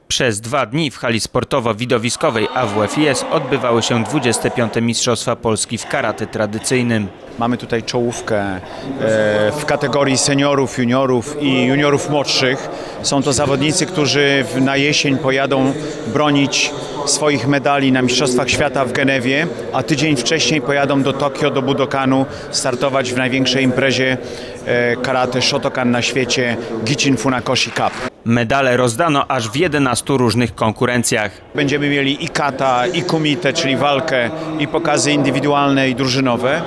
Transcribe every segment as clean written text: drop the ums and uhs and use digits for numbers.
Przez 2 dni w hali sportowo-widowiskowej AWF-IS odbywały się 25. Mistrzostwa Polski w karate tradycyjnym. Mamy tutaj czołówkę w kategorii seniorów, juniorów i juniorów młodszych. Są to zawodnicy, którzy na jesień pojadą bronić swoich medali na Mistrzostwach Świata w Genewie, a tydzień wcześniej pojadą do Tokio, do Budokanu, startować w największej imprezie karate Shotokan na świecie Gichin Funakoshi Cup. Medale rozdano aż w 11 różnych konkurencjach. Będziemy mieli i kata, i kumite, czyli walkę, i pokazy indywidualne i drużynowe.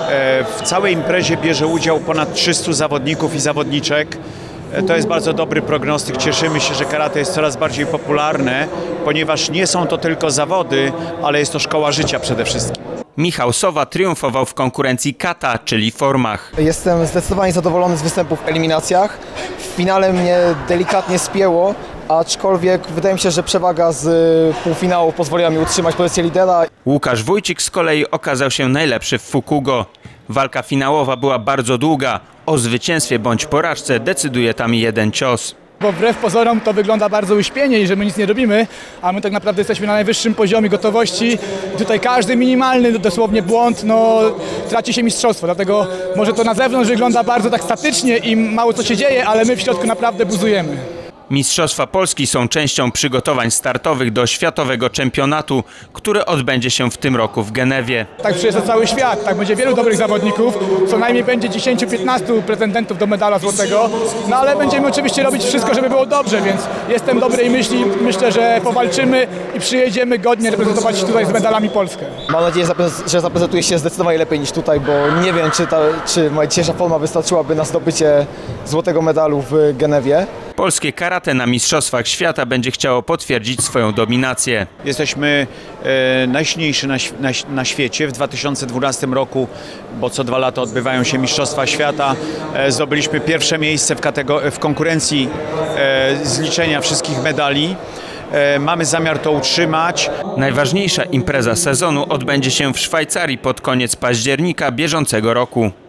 W całej imprezie bierze udział ponad 300 zawodników i zawodniczek. To jest bardzo dobry prognostyk. Cieszymy się, że karate jest coraz bardziej popularne, ponieważ nie są to tylko zawody, ale jest to szkoła życia przede wszystkim. Michał Sowa triumfował w konkurencji kata, czyli formach. Jestem zdecydowanie zadowolony z występów w eliminacjach. W finale mnie delikatnie spięło, aczkolwiek wydaje mi się, że przewaga z półfinału pozwoliła mi utrzymać pozycję lidera. Łukasz Wójcik z kolei okazał się najlepszy w Fukugo. Walka finałowa była bardzo długa. O zwycięstwie bądź porażce decyduje tam jeden cios. Bo wbrew pozorom to wygląda bardzo uśpienie i że my nic nie robimy, a my tak naprawdę jesteśmy na najwyższym poziomie gotowości. I tutaj każdy minimalny dosłownie błąd, traci się mistrzostwo. Dlatego może to na zewnątrz wygląda bardzo tak statycznie i mało co się dzieje, ale my w środku naprawdę buzujemy. Mistrzostwa Polski są częścią przygotowań startowych do światowego czempionatu, który odbędzie się w tym roku w Genewie. Tak przyjeżdża cały świat, tak będzie wielu dobrych zawodników, co najmniej będzie 10-15 pretendentów do medala złotego, ale będziemy oczywiście robić wszystko, żeby było dobrze, więc jestem dobrej myśli, myślę, że powalczymy i przyjedziemy godnie reprezentować tutaj z medalami Polskę. Mam nadzieję, że zaprezentuję się zdecydowanie lepiej niż tutaj, bo nie wiem, czy moja dzisiejsza forma wystarczyłaby na zdobycie złotego medalu w Genewie. Polskie karate na Mistrzostwach Świata będzie chciało potwierdzić swoją dominację. Jesteśmy najsilniejsi na świecie. W 2012 roku, bo co 2 lata odbywają się Mistrzostwa Świata, zdobyliśmy pierwsze miejsce w konkurencji zliczenia wszystkich medali. Mamy zamiar to utrzymać. Najważniejsza impreza sezonu odbędzie się w Szwajcarii pod koniec października bieżącego roku.